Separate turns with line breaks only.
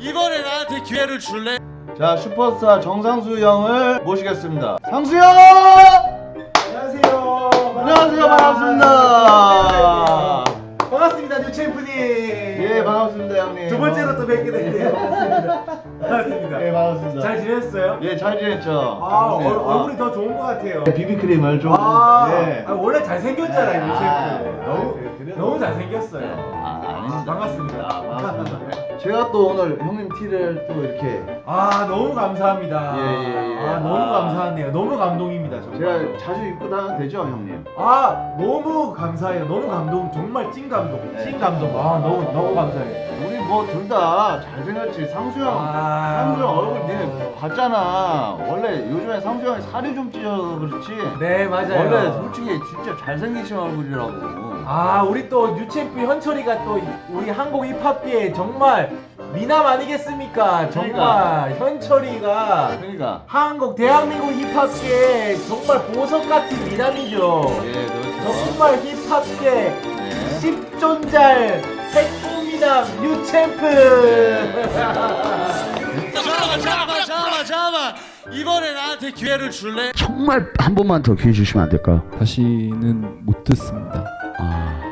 이번에 나한테 기회를 줄래?
자, 슈퍼스타 정상수 형을 모시겠습니다. 상수 형!
안녕하세요.
안녕하세요. 반갑습니다.
반갑습니다, 뉴챔프님.
예, 반갑습니다, 형님.
두 번째로 또 뵙게 됐네요. 반갑습니다.
예, 반갑습니다.
잘 지냈어요?
예, 잘 지냈죠?
아,
네,
얼굴이 더 좋은 것 같아요.
비비크림을 좀. 예.
원래 잘생겼잖아요,
아,
뉴챔프. 너무 잘생겼어요.
아닙니다.
반갑습니다.
반갑습니다. 제가 또 오늘 형님 티를 또 이렇게
너무 감사합니다.
예.
너무 감사하네요. 너무 감동입니다, 정말.
제가 자주 입고 다녀도 되죠, 형님?
너무 감사해요. 너무 감동. 정말 찐 감동.
네.
찐 감동. 너무 감사해요.
우리 뭐 둘 다 잘생겼지. 상수 형 얼굴 니네 봤잖아. 원래 요즘에 상수 형이 살이 좀 찌어서 그렇지.
네, 맞아요.
원래 솔직히 진짜 잘생기신 얼굴이라고.
우리 또 뉴챔프 현철이가 또 우리 한국 힙합계에 정말 미남 아니겠습니까? 정말 현철이가
그러니까.
한국 대한민국 힙합계에 정말 보석 같은 미남이죠.
예, 그렇죠.
정말 힙합계
네.
10존잘 핵미남 뉴챔프.
잠깐만. 이번에 나한테 기회를 줄래?
정말 한 번만 더 기회 주시면 안 될까요?
다시는 못 듣습니다.